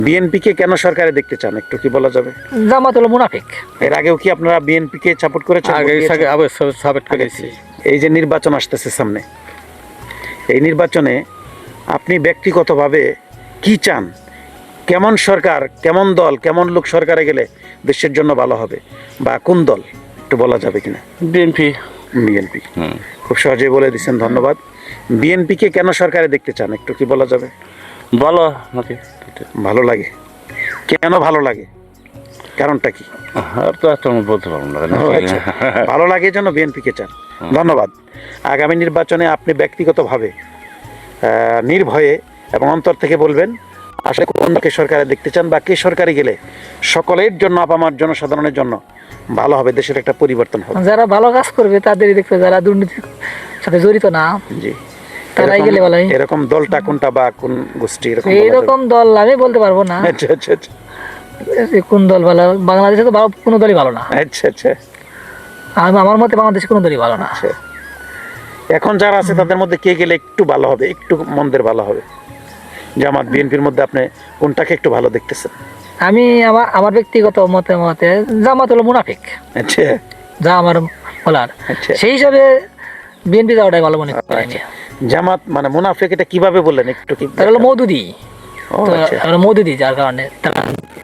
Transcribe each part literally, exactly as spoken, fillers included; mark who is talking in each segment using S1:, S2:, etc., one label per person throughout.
S1: বিএনপিকে কেন সরকারে দেখতে চান একটু কি বলা যাবে?
S2: জামাত হলো মুনাফিক।
S1: এর আগেও কি আপনারা বিএনপিকে সাপোর্ট করেছেন?
S3: আগে আগে অবশ্যই সাপোর্ট করেছি।
S1: এই যে নির্বাচন আসতেছে সামনে, এই নির্বাচনে আপনি ব্যক্তিগতভাবে কি চান? কেমন সরকার, কেমন দল, কেমন লোক সরকারে গেলে দেশের জন্য ভালো হবে, বা কোন দল একটু বলা যাবে কিনা?
S3: বিএনপি।
S1: বিএনপি খুব সহজেই বলে দিচ্ছেন, ধন্যবাদ। বিএনপিকে কেন সরকারে দেখতে চান একটু কি বলা যাবে?
S3: ভালো নাকি?
S1: ভালো লাগে। কেন ভালো লাগে, কারণটা কি?
S3: আর তো একটা বলতে পারবো না।
S1: ও আচ্ছা, ভালো লাগে জন্য বিএনপিকে চান, ধন্যবাদ। আগামী নির্বাচনে আপনি ব্যক্তিগতভাবে আহ, নির্ভয়ে এবং অন্তর থেকে বলবেন আসলে কোনকে সরকারে দেখতে চান, বা কে সরকারে গেলে সকলের জন্য, আপামার জনসাধারণের জন্য ভালো হবে, দেশের একটা পরিবর্তন হবে।
S2: যারা ভালো কাজ করবে তাদেরই দেখতে, যারা দুর্নীতির সাথে জড়িত না
S1: জি,
S2: তারাই গেলে ভালো হয়।
S1: এরকম দলটা কোনটা বা কোন গোষ্ঠী এরকম বলা যাবে?
S2: এইরকম দল আমি বলতে পারবো না।
S1: আচ্ছা আচ্ছা আচ্ছা
S2: কোন দল ভালো, বাংলাদেশে তো ভালো- কোনো দলই ভালো না।
S1: আচ্ছা আচ্ছা
S2: আমি আমার মতে বাংলাদেশে কোনো দলই ভালো না।
S1: আচ্ছা। এখন যারা আছে তাদের মধ্যে কে গেলে একটু ভালো হবে, একটু মন্দের ভালো হবে? জামাত বিএনপির মধ্যে আপনি কোনটাকে একটু ভালো দেখতেছেন?
S2: আমি আমার আমার ব্যক্তিগত মতে মতে জামাত হলো মুনাফিক,
S1: আচ্ছা
S2: যা আমার বলার।
S1: আচ্ছা।
S2: সেই হিসাবে বিএনপি যাওয়াটাই ভালো মনে করি আমি।
S1: জামাত মানে মুনাফিক, এটা কিভাবে বললেন একটু কি?
S2: তারা হলো মৌদুদি,
S1: ও আচ্ছা,
S2: তারা মৌদুদি, যার কারণে তারা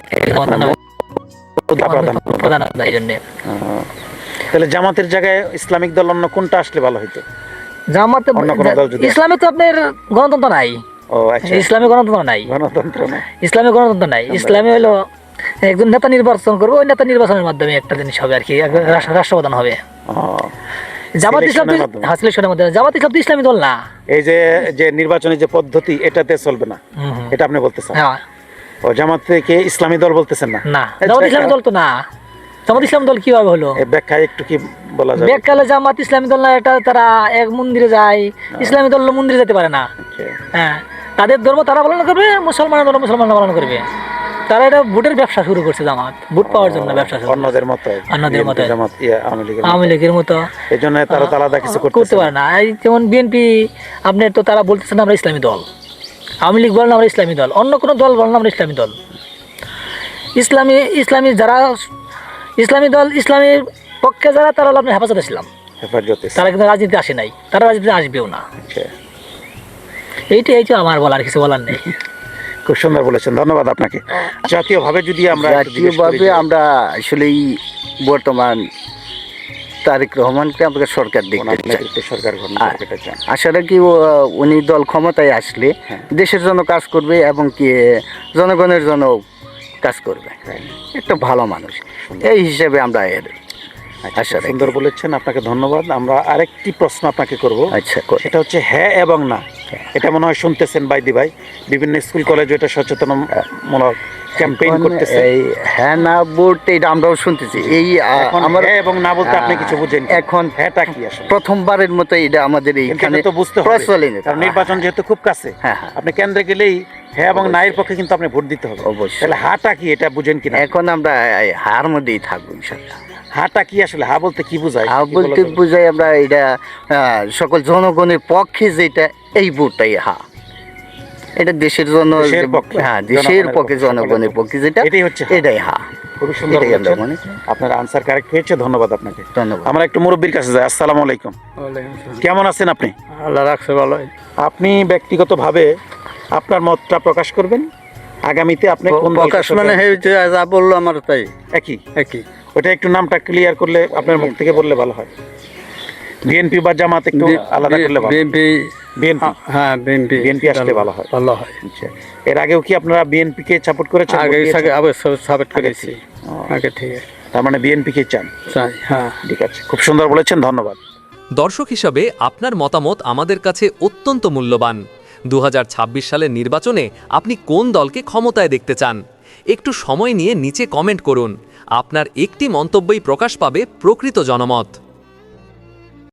S1: প্রধান।
S2: প্রধান এই জন্য।
S1: আহ, তাহলে জামাতের জায়গায় ইসলামিক দল অন্য কোনটা আসলে ভালো হইতো?
S2: জামাতে
S1: অন্য কোনো দল যদি-
S2: ইসলামে তো আপনার গণতন্ত্র নাই।
S1: ও আচ্ছা,
S2: ইসলামে গণতন্ত্র নাই,
S1: গণতন্ত্র না।
S2: ইসলামে গণতন্ত্র নাই। ইসলামে হলো একজন নেতা নির্বাচন করবে, ওই নেতা নির্বাচনের মাধ্যমে একটা জিনিস হবে আর কি, একজন রাষ্ট্র- রাষ্ট্রপ্রধান হবে।
S1: ও,
S2: জামাত ইসলাম
S1: সিলেকশনের মাধ্যমে।
S2: হ্যাঁ, সিলেকশনের মাধ্যমে। জামাত ইসলাম তো ইসলামী দল না।
S1: এই যে যে নির্বাচনী যে পদ্ধতি, এটাতে চলবে না,
S2: হুম, হুম।
S1: এটা আপনি বলতেছেন?
S2: হ্যাঁ,
S1: ও, জামাতকে ইসলামী দল বলতেছেন না?
S2: না,
S1: আচ্ছা,
S2: জামাত ইসলামী দল তো না। জামাত ইসলাম দল কিভাবে হলো?
S1: এই ব্যাখ্যায় একটু কি বলা যাবে?
S2: বেকালে জামাত ইসলামী দল না, এটা তারা এক মন্দিরে যায়, ইসলামী দল মন্দিরে যেতে পারে না।
S1: আচ্ছা,
S2: হ্যাঁ, তাদের ধর্ম তারা পালন করবে, মুসলমানের ধর্ম মুসলমানরা পালন করবে। তারা এটা ভোটের ব্যবসা শুরু করছে, জামাত ভোট পাওয়ার জন্য ব্যবসা শুরু করছে।
S1: অন্যদের মতো,
S2: অন্যদের মতো।
S1: জামাত ইয়া, আওয়ামী লীগের মতো।
S2: আওয়ামী লীগের মতো
S1: এই জন্য তারা তো আলাদা কিছু
S2: করতে
S1: করতে
S2: পারে না। এই যেমন বিএনপি, আপনার তো তারা বলতেছে না আমরা ইসলামী দল, আওয়ামী লীগ বলেন আমরা ইসলামী দল, অন্য কোনো দল বলেন আমরা ইসলামী দল। ইসলামী ইসলামী যারা ইসলামী দল, ইসলামীর পক্ষে যারা, তারা হলো আপনার হেফাজত ইসলাম।
S1: হেফাজতে।
S2: তারা কিন্তু রাজনীতি আসে নাই, তারা রাজনীতি আসবেও না।
S1: আচ্ছা,
S2: এইটাই এই যে আমার বলার, কিছু বলার নেই।
S1: খুব সুন্দর বলেছেন, ধন্যবাদ আপনাকে। জাতীয়ভাবে যদি আমরা একটু জিজ্ঞেস করি
S4: জাতীয়ভাবে
S1: যে-
S4: আমরা আসলেই বর্তমান তারেক রহমানকে আমরা সরকার দেখতে
S1: ওনার
S4: চাই।
S1: নেতৃত্বে সরকার গঠন
S4: আর
S1: করতে এটা চান।
S4: আশা রাখি ও, উনি দল ক্ষমতায় আসলে দেশের জন্য কাজ করবে এবং কি জনগণের জন্য কাজ করবে। একটা ভালো মানুষ, এই হিসেবে আমরা এর
S1: আচ্ছা,
S4: আশা রাখি।
S1: সুন্দর বলেছেন, আপনাকে ধন্যবাদ। আমরা আরেকটি প্রশ্ন আপনাকে করব।
S4: আচ্ছা, করুন।
S1: সেটা হচ্ছে হ্যাঁ এবং না। এটা মনে হয় শুনতেছেন বাইদি ভাই, বিভিন্ন স্কুল কলেজে এটা সচেতনমূলক ক্যাম্পেইন
S4: এখন
S1: করতেছে।
S4: এই হ্যাঁ না ভোট এটা আমরাও শুনতেছি। এই আ,
S1: এখন
S4: আমার
S1: হ্যাঁ এবং না বলতে আপনি কিছু বুঝেন কি?
S4: এখন
S1: হ্যাঁটা কি আসলে?
S4: প্রথমবারের মতো এটা আমাদের
S1: কিন্তু
S4: এইখানে
S1: এটা তো বুঝতে হবে,
S4: প্রচলিত।
S1: কারণ নির্বাচন যেহেতু খুব কাছে,
S4: হ্যাঁ, হ্যাঁ।
S1: আপনি কেন্দ্রে গেলেই হ্যাঁ এবং না এর পক্ষে কিন্তু আপনি ভোট দিতে হবে।
S4: অবশ্যই।
S1: তাহলে হাটা কি এটা বুঝেন কিনা?
S4: এখন আমরা এই হার মধ্যেই থাকবো ইনশাআল্লাহ।
S1: হাটা কি আসলে? হা বলতে কি বোঝায়?
S4: হা
S1: কি বলা
S4: বলতে
S1: যাবে?
S4: বুঝাই আমরা এটা আহ, সকল জনগণের পক্ষে যেটা, এই ভোটটাই হা। এটা দেশের জন্য,
S1: দেশের পক্ষে,
S4: হ্যাঁ দেশের
S1: জনগণের
S4: পক্ষে,
S1: পক্ষে,
S4: জনগণের
S1: সকলের
S4: পক্ষে যেটা,
S1: এটাই হচ্ছে হা।
S4: এটাই হা।
S1: খুবই সুন্দর
S4: এটাই আমরা
S1: বলেছেন।
S4: মনে
S1: আপনার আনসার কারেক্ট হয়েছে, ধন্যবাদ আপনাকে।
S4: ধন্যবাদ।
S1: আমরা একটু মুরব্বীর কাছে যাই। আসসালামু আলাইকুম, কেমন আছেন আপনি?
S3: আল্লাহ রাখছে ভালো।
S1: আপনি ব্যক্তিগতভাবে আপনার মতটা প্রকাশ করবেন। আগামীতে আপনি কোন দলকে
S3: প্রকাশ মানে
S1: সরকার-
S3: এই যে যা বললো আমার তাই
S1: একই
S3: একই।
S1: ওটা একটু নামটা ক্লিয়ার করলে আপনার মুখ থেকে বললে ভালো হয়। বিএনপি বা জামাত একটু আলাদা করলে ভালো।
S3: বিএনপি।
S1: বিএনপি
S3: হ্যাঁ, বিএনপি।
S1: বিএনপি আসলে ভালো হয়।
S3: ভালো হয়।
S1: আচ্ছা, এর আগেও কি আপনারা বিএনপিকে সাপোর্ট করেছেন?
S3: আগে
S1: ভোট দিয়েছেন?
S3: আগে অবশ্যই সাপোর্ট করেছি।
S1: ও,
S3: আগে ঠিক আছে,
S1: তার মানে বিএনপিকে চান।
S3: চাই। হ্যাঁ,
S1: ঠিক আছে, খুব সুন্দর বলেছেন, ধন্যবাদ।
S5: দর্শক হিসাবে আপনার মতামত আমাদের কাছে অত্যন্ত মূল্যবান। দু হাজার ছাব্বিশ সালের নির্বাচনে আপনি কোন দলকে ক্ষমতায় দেখতে চান? একটু সময় নিয়ে নিচে কমেন্ট করুন। আপনার একটি মন্তব্যই প্রকাশ পাবে প্রকৃত জনমত।